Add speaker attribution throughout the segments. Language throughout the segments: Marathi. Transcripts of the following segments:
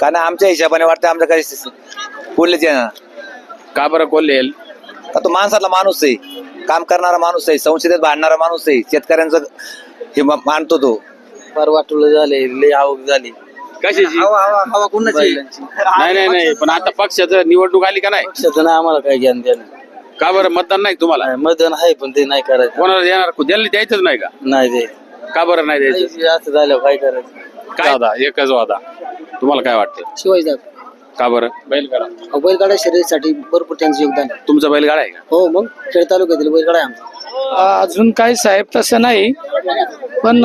Speaker 1: कारण आमच्या हिशोबाने वाटतं आमचं काही कोल्हेच येणार.
Speaker 2: का बरं कोल्हे येईल?
Speaker 1: का तो माणसातला माणूस आहे, काम करणारा माणूस आहे, संसदेत भांडणारा माणूस आहे, शेतकऱ्यांचं हे मानतो तो.
Speaker 3: फार वाटलं झाले, लय आवक झाली.
Speaker 2: कशाची?
Speaker 1: हवा कुणाची?
Speaker 2: नाही पण आता पक्षाचं निवडणूक आली का नाही?
Speaker 3: पक्षाचं नाही आम्हाला काय ज्ञान द्यायला.
Speaker 2: का बरं मतदान नाही तुम्हाला?
Speaker 3: मतदान आहे पण ते नाही करायचं.
Speaker 2: कोणाला देणार? द्यायला द्यायचंच नाही का?
Speaker 3: नाही ते
Speaker 2: का बरं नाही द्यायचं?
Speaker 3: असं झालं काय करायचं.
Speaker 2: काय वादा? एकच वादा. तुम्हाला काय वाटतं?
Speaker 4: शिवाजी
Speaker 2: का बरं? बैलगाडा.
Speaker 4: बैलगाडा शर्यतीसाठी भरपूर त्यांचं योगदान आहे.
Speaker 2: तुमचा बैलगाडा आहे का?
Speaker 4: हो, मग खेड तालुक्यातील बैलगाडा आहे आमचा.
Speaker 5: अजून काही साहेब तसं नाही, पण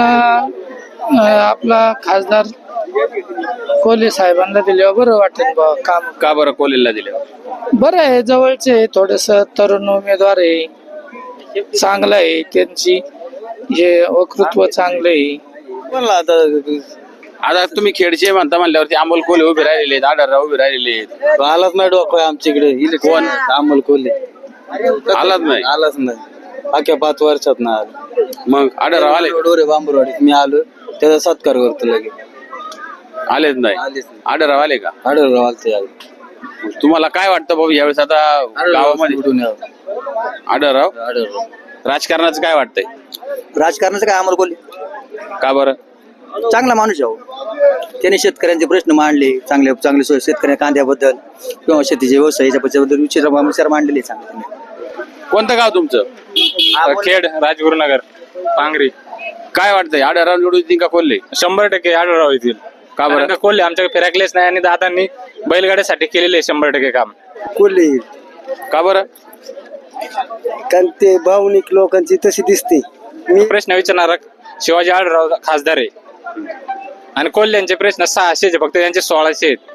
Speaker 5: आपला खासदार कोल्हे साहेबांना दिल्यावर बरं वाटेल बा काम.
Speaker 2: का बरं कोल्हेला दिले?
Speaker 5: बरं आहे, जवळचे थोडस तरुण उमेदवार आहे, चांगलं आहे, त्यांची हे वक्तृत्व चांगलं आहे.
Speaker 3: म्हणलं
Speaker 2: आता तुम्ही खेडचे म्हणता म्हणल्यावरती अमोल कोल्हे उभे राहिलेले आहेत, आढळराव उभे राहिलेले आहेत.
Speaker 3: आलाच नाही डोकं आमच्याकडे.
Speaker 2: कोण?
Speaker 3: अमोल कोल्हे
Speaker 2: आलाच नाही.
Speaker 3: आलाच नाही अख्या 5 वर्षात ना आलं.
Speaker 2: मग आढळराव आले?
Speaker 3: डोरे बांबरवाडीत मी आलो, त्याचा सत्कार करतो लगेच.
Speaker 2: आलेच नाही.
Speaker 3: आलेच नाही.
Speaker 2: आढळराव आले का?
Speaker 3: आढळराव आलते.
Speaker 2: तुम्हाला काय वाटतं बाबा यावेळेस आता गावामध्ये आढळराव? राजकारणाचं काय वाटतंय?
Speaker 1: राजकारणाचं काय अमोल कोल्हे
Speaker 2: का बरं?
Speaker 1: चांगला माणूस आहे. त्याने शेतकऱ्यांचे प्रश्न मांडले, चांगले चांगले शेतकऱ्या कांद्याबद्दल किंवा शेतीच्या व्यवसायाच्या विचार मांडलेले चांगले.
Speaker 2: कोणतं गाव तुमचं?
Speaker 6: खेड, राजगुरुनगर, पांगरी.
Speaker 2: काय वाटतंय आढळराव निवडून येतील का कोल्हे?
Speaker 6: 100% आढळराव येतील.
Speaker 2: का बरं?
Speaker 6: कारण का कोल्हे आमच्याकडे फिराकलेच नाही आणि दादांनी बैलगाड्यासाठी केलेले 100% काम.
Speaker 3: कोल्हे
Speaker 2: का बरं?
Speaker 3: कारण ते भावनिक लोकांची तशी दिसते.
Speaker 6: प्रश्न विचारणार शिवाजी आढळराव खासदार आहे आणि कोल्ह्यांचे प्रश्न 600 फक्त त्यांचे 1600 आहेत.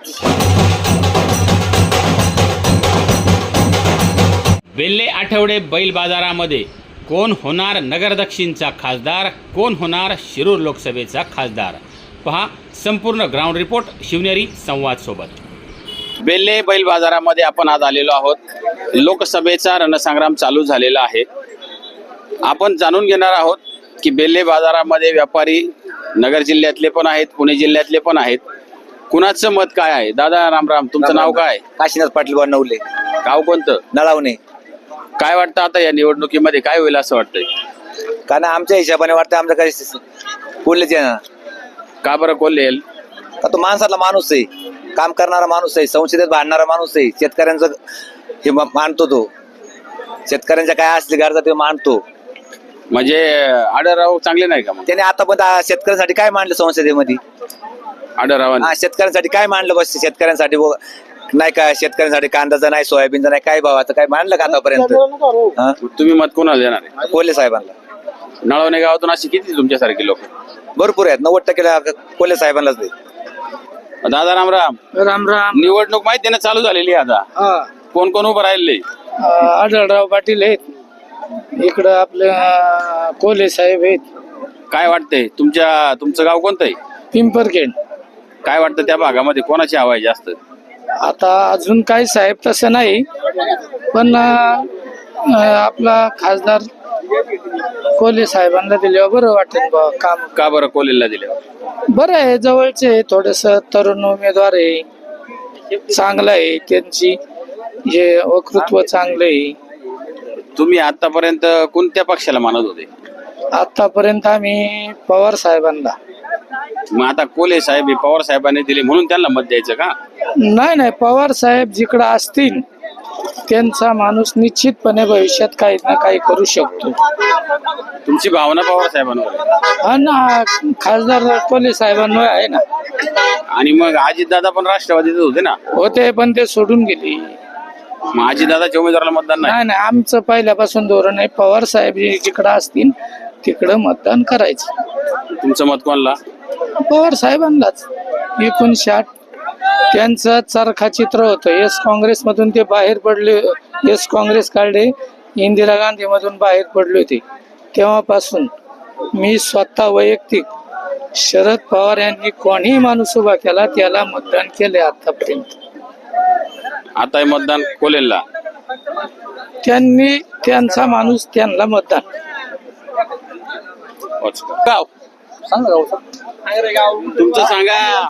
Speaker 7: वेल्हे आठवडे बैल बाजारामध्ये कोण होणार नगर दक्षिणचा खासदार, कोण होणार शिरूर लोकसभेचा खासदार, पहा संपूर्ण ग्राउंड रिपोर्ट शिवनेरी संवाद सोबत.
Speaker 2: बेल्हे बैल बाजारामध्ये आपण आज आलेलो आहोत. लोकसभेचा रणसंग्राम चालू झालेला आहे. आपण जाणून घेणार आहोत की बेल्हे बाजारामध्ये व्यापारी नगर जिल्ह्यातले पण आहेत, पुणे जिल्ह्यातले पण आहेत. कुणाचं मत काय आहे? दादा रामराम, तुमचं नाव काय?
Speaker 1: काशीनाथ पाटील बनवले,
Speaker 2: गाव कोणतं?
Speaker 1: नळावणे.
Speaker 2: काय वाटतं आता या निवडणुकीमध्ये काय होईल असं वाटतंय?
Speaker 1: कारण आमच्या हिशोबाने वाटतं आमचं काही कोल्हेच येणार.
Speaker 2: का बरं कोल्हे येईल?
Speaker 1: का तो माणसातला माणूस आहे, काम करणारा माणूस आहे, संसदेत भांडणारा माणूस आहे, शेतकऱ्यांचं हे मानतो तो. शेतकऱ्यांच्या काय असले गरजा ते मानतो.
Speaker 2: म्हणजे आढळराव चांगले नाही का? मग
Speaker 1: त्याने आतापर्यंत शेतकऱ्यांसाठी काय मांडलं संसदेमध्ये?
Speaker 2: आढळरावांनी
Speaker 1: शेतकऱ्यांसाठी काय मांडलं? बस शेतकऱ्यांसाठी नाही का? शेतकऱ्यांसाठी कांद्याचं नाही, सोयाबीनचं नाही, काय भावाचं काय मांडलं का आतापर्यंत?
Speaker 2: तुम्ही मत कोणाला देणार आहे?
Speaker 1: कोल्हे साहेबांना.
Speaker 2: नळवणे गावातून अशी किती तुमच्यासारखे लोक?
Speaker 1: भरपूर आहेत, 90% कोल्हे साहेबांनाच दे.
Speaker 2: दादा रामराम.
Speaker 5: राम राम.
Speaker 2: निवडणूक माहिती ना चालू झालेली आहे आता. कोण कोण उभं राहिले?
Speaker 5: आढळराव पाटील आहेत, इकडं आपले कोल्हे साहेब आहेत.
Speaker 2: काय वाटतंय तुमचं गाव कोणतं आहे?
Speaker 5: पिंपरखेड.
Speaker 2: काय वाटतं त्या भागामध्ये कोणाची हवा आहे जास्त?
Speaker 5: आता अजून काही साहेब तसं नाही, पण आपला खासदार कोल्हे साहेबांना दिल्यावर बरं वाटेल बा काम.
Speaker 2: का बरं कोल्हेला दिले?
Speaker 5: बरं आहे, जवळचे थोडस तरुण उमेदवार आहे, चांगलं आहे, त्यांची हे वक्तृत्व चांगलं आहे.
Speaker 2: तुम्ही आतापर्यंत कोणत्या पक्षाला मानत होते?
Speaker 5: आतापर्यंत आम्ही पवार साहेबांना.
Speaker 2: मग आता कोल्हे साहेब पवार साहेबांनी दिले म्हणून त्यांना मत द्यायचं का?
Speaker 5: नाही, पवार साहेब जिकडं असतील त्यांचा माणूस निश्चितपणे भविष्यात काही ना काही करू शकतो.
Speaker 2: तुमची भावना पवार साहेबांवर आहे?
Speaker 5: आणि खासदार कोल्हे साहेबांवर आहे ना.
Speaker 2: आणि मग अजितदादा पण राष्ट्रवादीतच होते ना?
Speaker 5: होते, पण ते सोडून गेले.
Speaker 2: मग अजितदादाच्या उमेदवाराला मतदान नाही?
Speaker 5: नाही, आमचं पहिल्यापासून धोरण आहे, पवार साहेब जिकडं असतील तिकडं मतदान करायचं.
Speaker 2: तुमचं मत कोणाला?
Speaker 5: पवार साहेबांनाच. 1960 त्यांचं चरखा चित्र होतं. एस काँग्रेसमधून ते बाहेर पडले, एस काँग्रेस काढले, इंदिरा गांधी मधून बाहेर पडले होते. तेव्हापासून मी स्वतः वैयक्तिक शरद पवार यांनी कोणीही माणूस उभा केला त्याला मतदान केले आतापर्यंत.
Speaker 2: आता मतदान कोल्हेला?
Speaker 5: त्यांनी त्यांचा माणूस त्यांना मतदान.
Speaker 2: गाव
Speaker 4: सांगा.
Speaker 2: तुमचं सांगा.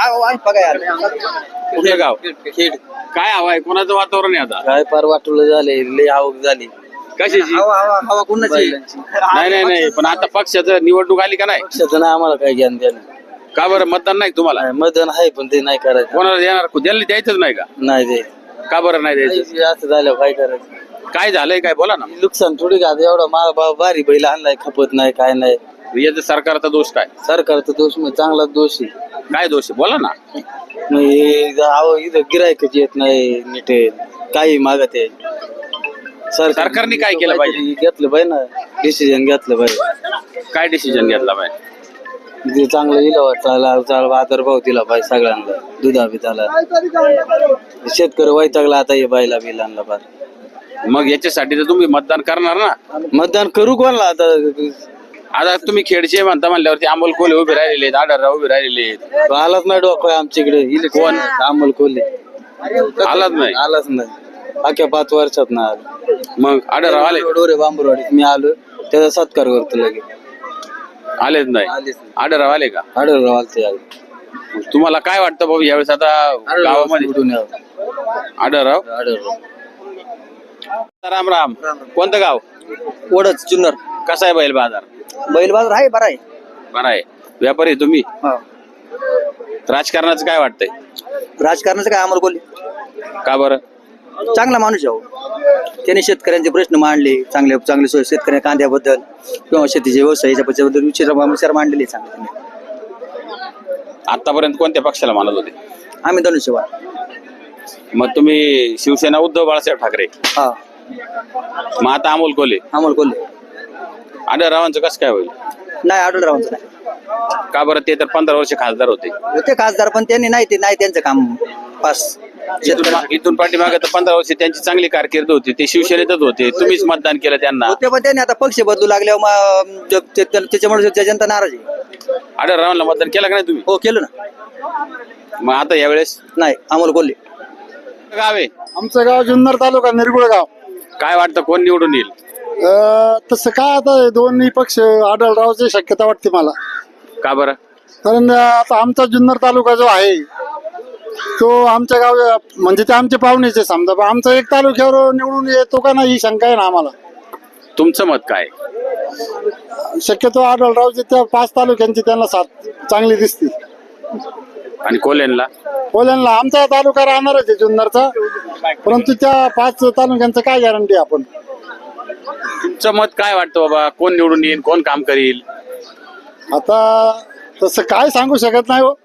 Speaker 2: कुठलं गाव?
Speaker 4: खेड.
Speaker 2: काय हवाय? कोणाचं वातावरण आहे आता?
Speaker 4: काय फार वाटलं झाले, लय आवक झाली.
Speaker 2: कशाची?
Speaker 4: हवा कुणाची?
Speaker 2: नाही पण आता पक्षाचं निवडणूक आली का नाही?
Speaker 4: पक्षाचं नाही आम्हाला काय ज्ञान द्यायला.
Speaker 2: का बरं मतदान नाही तुम्हाला?
Speaker 4: मतदान आहे पण ते नाही करायचं.
Speaker 2: कोणाला देणार? द्यायला द्यायचंच नाही का?
Speaker 4: नाही ते
Speaker 2: का बरं नाही द्यायचं?
Speaker 4: असं झालं काय करायचं.
Speaker 2: काय झालंय काय बोला ना.
Speaker 4: नुकसान थोडी का आता एवढा माल भारी बैल आणलाय, खपत नाही काय नाही.
Speaker 2: याचं सरकारचा दोष काय?
Speaker 4: सरकारचा दोष म्हणजे चांगला दोष आहे.
Speaker 2: काय दोष आहे बोला ना.
Speaker 4: मग हे इथं गिरायकच येत नाही नीट, काही मागत आहे.
Speaker 2: सरकारने काय केलं पाहिजे?
Speaker 4: घेतलं पाहिजे ना, डिसिजन घेतलं पाहिजे.
Speaker 2: काय डिसिजन घेतला पाहिजे?
Speaker 4: ते चांगलं इलावा आदरभाव दिला पाहिजे सगळ्यांना, दुधा बिधाला. शेतकरी वैतागला आता हे बायला बिलांना पार.
Speaker 2: मग याच्यासाठी तर तुम्ही मतदान करणार ना.
Speaker 4: मतदान करू कोणला आता?
Speaker 2: आता तुम्ही खेडचे म्हणता म्हणल्यावरती अमोल कोल्हे उभे राहिलेले आहेत, आढळराव उभे राहिलेले आहेत.
Speaker 4: आलाच नाही डोकं आमच्याकडे.
Speaker 2: कोण?
Speaker 4: अमोल कोल्हे
Speaker 2: आलाच नाही.
Speaker 4: आलाच नाही अख्या 5 वर्षात ना आला.
Speaker 2: मग आढळराव आले?
Speaker 4: डोरे बांबरवाडीत मी आलो, त्याचा सत्कार करतो लगेच.
Speaker 2: आलेच नाही.
Speaker 4: आलेच नाही.
Speaker 2: आढळराव आले का?
Speaker 4: आढळराव आलते.
Speaker 2: तुम्हाला काय वाटतं बाबा यावेळेस आता गावामध्ये
Speaker 4: निवडून
Speaker 2: आढळराव?
Speaker 4: आढळराव.
Speaker 2: राम राम. कोणतं गाव?
Speaker 4: वडच जुन्नर.
Speaker 2: कसा आहे बैल बाजार?
Speaker 4: बैल बाजार आहे, बरा आहे.
Speaker 2: बरं आहे. व्यापारी तुम्ही? राजकारणाचं काय वाटतंय?
Speaker 4: राजकारणाचं काय अमोल कोल्हे
Speaker 2: का बरं?
Speaker 4: चांगला माणूस आहे. त्याने शेतकऱ्यांचे प्रश्न मांडले, चांगले शेतकऱ्या कांद्याबद्दल किंवा शेतीचे व्यवसायाच्या बद्दल विचार मांडलेले चांगले.
Speaker 2: आतापर्यंत कोणत्या पक्षाला मानत होते?
Speaker 4: आम्ही धनुष्यबाण.
Speaker 2: मग तुम्ही शिवसेना उद्धव बाळासाहेब ठाकरे.
Speaker 4: हा,
Speaker 2: मग आता अमोल कोल्हे.
Speaker 4: अमोल कोल्हे.
Speaker 2: आढळरावांचं कसं काय होईल?
Speaker 4: नाही, आढळरावांचं नाही.
Speaker 2: का बरं? ते तर 15 वर्ष खासदार होते.
Speaker 4: ते खासदार पण त्यांनी नाही, ते नाही त्यांचं काम पास.
Speaker 2: इथून पाठीमागे तर 15 वर्ष त्यांची चांगली कारकीर्द होती. ते शिवसेनेतच होते. तुम्हीच मतदान केलं त्यांना.
Speaker 4: ते पण त्यांनी आता पक्ष बदलू लागल्यावर त्याच्यामुळे जनता नाराज आहे.
Speaker 2: आढळरावांना मतदान केलं का नाही तुम्ही?
Speaker 4: हो, केलं ना.
Speaker 2: मग आता यावेळेस
Speaker 4: नाही, अमोल कोल्हे.
Speaker 2: गाव आहे
Speaker 3: आमचं गाव जुन्नर तालुका निरगुळ गाव.
Speaker 2: काय वाटतं कोण निवडून येईल?
Speaker 3: तसं काय आता दोन्ही पक्ष आढळरावची शक्यता वाटते मला.
Speaker 2: का बरं?
Speaker 3: कारण आता आमचा जुन्नर तालुका जो आहे तो आमच्या गाव म्हणजे ते आमचे पाहुणेचे समजा, पण आमचा एक तालुक्यावर निवडून येतो का नाही ही शंका आहे ना आम्हाला.
Speaker 2: तुमचं मत काय?
Speaker 3: शक्यतो आढळरावचे त्या 5 तालुक्यांची त्यांना साथ चांगली दिसते.
Speaker 2: आणि कोल्हेंना?
Speaker 3: कोल्ह्यांना आमचा तालुका राहणारच आहे जुन्नरचा, परंतु त्या 5 तालुक्यांचं काय गॅरंटी आपण.
Speaker 2: तुमचं मत काय वाटतं बाबा? कोण निवडून येईल? कोण काम करील?
Speaker 3: आता तसं काय सांगू शकत नाही हो.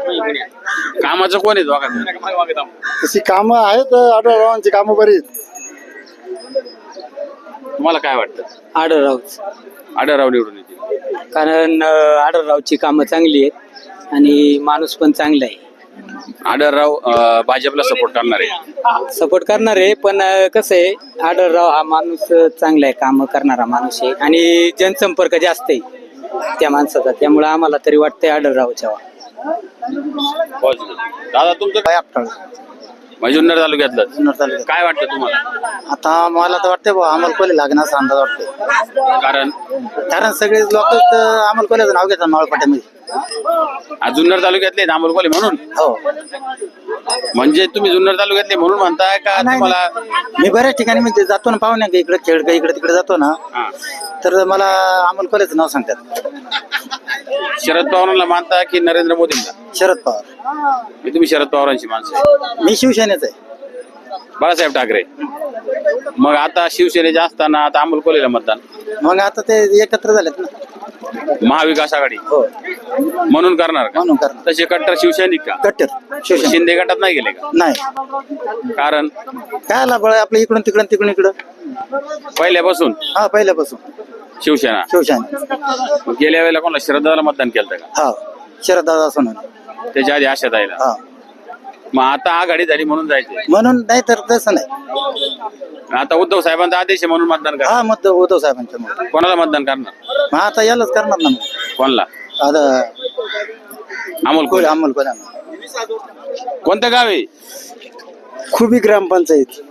Speaker 2: कामाचं कोण आहे दोघांचं?
Speaker 3: तशी कामं आहेत, आढळरावांची कामं बरी आहेत.
Speaker 2: तुम्हाला काय वाटतं?
Speaker 4: आढळराव.
Speaker 2: आढळराव निवडून येतील?
Speaker 4: कारण आढळरावची कामं चांगली आहेत आणि माणूस पण चांगला आहे.
Speaker 2: आढळराव भाजपला सपोर्ट करणार आहे.
Speaker 4: सपोर्ट करणार आहे, पण कसं आहे, आढळराव हा माणूस चांगला आहे, काम करणारा माणूस आहे आणि जनसंपर्क जास्त आहे त्या माणसाचा. त्यामुळे आम्हाला तरी वाटतंय आढळरावच्या.
Speaker 2: दादा तुमचं काय? जुन्नर तालुक्यातलं काय वाटतं तुम्हाला?
Speaker 4: आता मला तर वाटतंय बा अमोल कोल्हे लागण्याचा अंदाज वाटतोय. कारण सगळे लोक अमोल कोल्हेचं नाव घेतात मावळपाट्यामध्ये.
Speaker 2: जुन्नर तालुक्यातले अमोल कोल्हे म्हणून?
Speaker 4: हो.
Speaker 2: म्हणजे तुम्ही जुन्नर तालुक्यातले म्हणून म्हणताय का? तुम्हाला
Speaker 4: मी बऱ्याच ठिकाणी म्हणजे जातो ना पाहुण्या, इकडे खेळ इकडे तिकडे जातो ना, तर मला अमोल कोल्हेचं नाव सांगतात.
Speaker 2: शरद पवारांना मानता की नरेंद्र मोदींना?
Speaker 4: शरद पवार.
Speaker 2: तुम्ही शरद पवारांची माणसं आहे.
Speaker 4: मी शिवसेनेच आहे.
Speaker 2: बाळासाहेब ठाकरे. मग आता शिवसेनेचे असताना आता अमोल कोल्हेला मतदान?
Speaker 4: मग आता ते एकत्र झालेत ना.
Speaker 2: महाविकास आघाडी
Speaker 4: हो,
Speaker 2: म्हणून करणार का?
Speaker 4: म्हणून करणार.
Speaker 2: तसे कट्टर शिवसैनिक का?
Speaker 4: कट्टर शिवसेना
Speaker 2: शिंदे गटात नाही गेले का?
Speaker 4: नाही.
Speaker 2: कारण
Speaker 4: काय आला बळ आपलं इकडून इकडं.
Speaker 2: पहिल्यापासून?
Speaker 4: हा, पहिल्यापासून
Speaker 2: शिवसेना.
Speaker 4: शिवसेना.
Speaker 2: गेल्या वेळेला कोणाला शरदाला मतदान केलं का?
Speaker 4: हा, शरददादा सोनवणे.
Speaker 2: त्याच्या आधी आशा ताईला.
Speaker 4: हा,
Speaker 2: मग आता आघाडी झाली म्हणून जायचे?
Speaker 4: म्हणून नाही तर तसं नाही.
Speaker 2: आता उद्धव साहेबांचा आदेश आहे म्हणून मतदान करा.
Speaker 4: हा, मत उद्धव साहेबांच्या मत.
Speaker 2: कोणाला मतदान करणार?
Speaker 4: मग आता यालाच करणार ना.
Speaker 2: कोणाला?
Speaker 4: आता
Speaker 2: अमोल कोल्हे.
Speaker 4: अमोल कोल्हे.
Speaker 2: कोणतं गाव आहे?
Speaker 3: खुबी ग्रामपंचायत.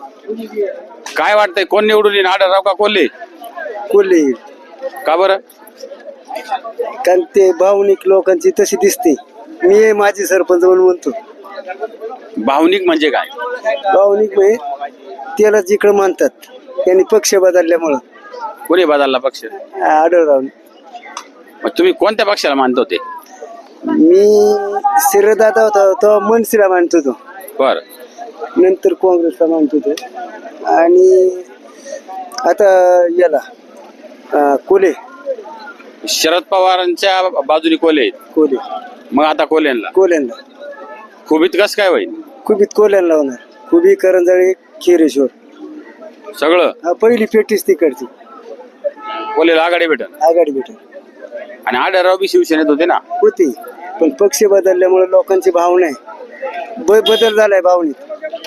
Speaker 2: काय वाटतंय कोण निवडून येईल? आढळराव का कोल्हे?
Speaker 3: कोल्हे.
Speaker 2: का बरं?
Speaker 8: कारण ते भावनिक लोकांची तशी दिसते. मी माझी सरपंच म्हणून म्हणतो.
Speaker 2: भावनिक म्हणजे काय?
Speaker 8: भावनिक म्हणजे त्याला जिकडं मानतात त्यांनी पक्ष बदलल्यामुळं
Speaker 2: कोणी बदलला पक्ष?
Speaker 8: आढळराव.
Speaker 2: मग तुम्ही कोणत्या पक्षाला मानत होते?
Speaker 8: मी शिरदादा होता तो मनसेला मानतो तो,
Speaker 2: बर,
Speaker 8: नंतर काँग्रेसला मानतो तो, आणि आता याला कोले
Speaker 2: शरद पवारांच्या बाजूने कोले आहेत.
Speaker 8: कोले
Speaker 2: मग आता कोल्यांना
Speaker 8: कोल्यांना
Speaker 2: खुबीत कस काय होईल?
Speaker 8: खुबीत कोल्यांना होणार. खुबी करंजाळे खिरेश्वर
Speaker 2: सगळं
Speaker 8: पहिली पेटीच तिकडची
Speaker 2: कोलेला आघाडी भेटल.
Speaker 8: आघाडी भेटेल
Speaker 2: आणि आढळराव बी शिवसेनेत होते ना.
Speaker 8: होती, पण पक्ष बदलल्यामुळे लोकांची भावना आहे, बदल झालाय भावनेत.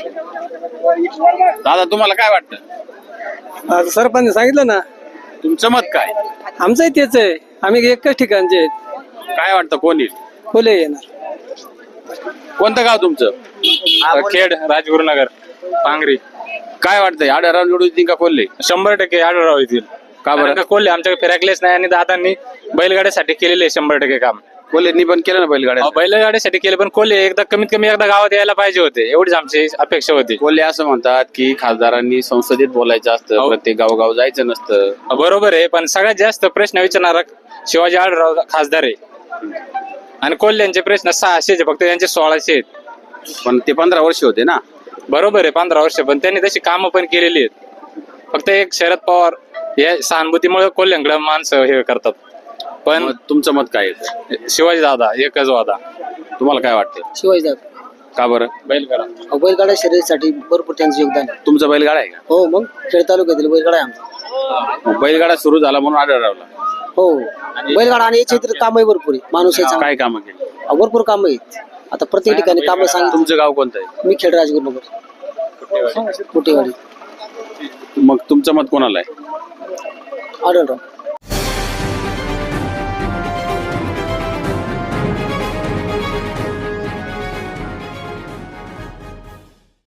Speaker 2: दादा तुम्हाला काय वाटतं?
Speaker 8: आता सरपंच सांगितलं ना,
Speaker 2: तुमचं मत काय?
Speaker 8: आमचंही तेच आहे. आम्ही एकच ठिकाणचे आहेत.
Speaker 2: काय वाटतं कोण येईल?
Speaker 8: कोले येणार.
Speaker 2: कोणतं गाव तुमचं?
Speaker 6: खेड, राजगुरुनगर, पांगरी.
Speaker 2: काय वाटतंय आढळराव निवडून येतील का कोल्हे?
Speaker 6: 100% आढळराव येतील.
Speaker 2: का बरं?
Speaker 6: कारण का कोल्हे आमच्याकडे फिरकलेच नाही आणि दादांनी बैलगाड्यासाठी केलेले 100% काम.
Speaker 2: कोल्हेंनी पण केलं ना बैलगाड्या.
Speaker 6: बैलगाड्यासाठी केले, पण कोल्हे एकदा कमीत कमी एकदा गावात यायला पाहिजे होते, एवढीच आमची अपेक्षा होती.
Speaker 2: कोल्हे असं म्हणतात की खासदारांनी संसदेत बोलायचं असतं,
Speaker 6: हो.
Speaker 2: प्रत्येक गावोगाव जायचं नसतं.
Speaker 6: बरोबर आहे, पण सगळ्यात जास्त प्रश्न विचारणारा शिवाजी आढळराव खासदार आहे आणि कोल्ह्यांचे प्रश्न 600 फक्त त्यांचे 1600 आहेत.
Speaker 2: पण ते 15 वर्ष होते ना.
Speaker 6: बरोबर आहे, 15 वर्ष, पण त्यांनी तशी कामं पण केलेली आहेत. फक्त एक शरद पवार या सहानुभूतीमुळे कोल्ह्यांकडे माणसं हे करतात. पण
Speaker 2: मग तुमचं मत काय आहे?
Speaker 6: शिवाजी दादा एकच वादा.
Speaker 2: तुम्हाला काय वाटतं?
Speaker 8: शिवाजी दादा
Speaker 2: का बरं?
Speaker 6: बैलगाडा
Speaker 8: बैलगाडा शर्यतीसाठी भरपूर त्यांचं योगदान आहे.
Speaker 2: तुमचा बैलगाडा आहे का?
Speaker 8: हो, मग खेड तालुक्यातील बैलगाडा आहे आमचा.
Speaker 2: मग बैलगाडा सुरू झाला म्हणून आढळरावला
Speaker 8: हो, बैलगाडा आणि याच्या इतर कामही भरपूर आहे. माणूस याचा
Speaker 2: काय कामं केली?
Speaker 8: भरपूर कामं आहेत. आता प्रत्येक ठिकाणी कामं सांगितलं.
Speaker 2: तुमचं गाव कोणतं आहे?
Speaker 8: मी खेड राजगुरुनगर कुठेवाडी.
Speaker 2: मग तुमचं मत कोणाला आहे?
Speaker 8: आढळराव.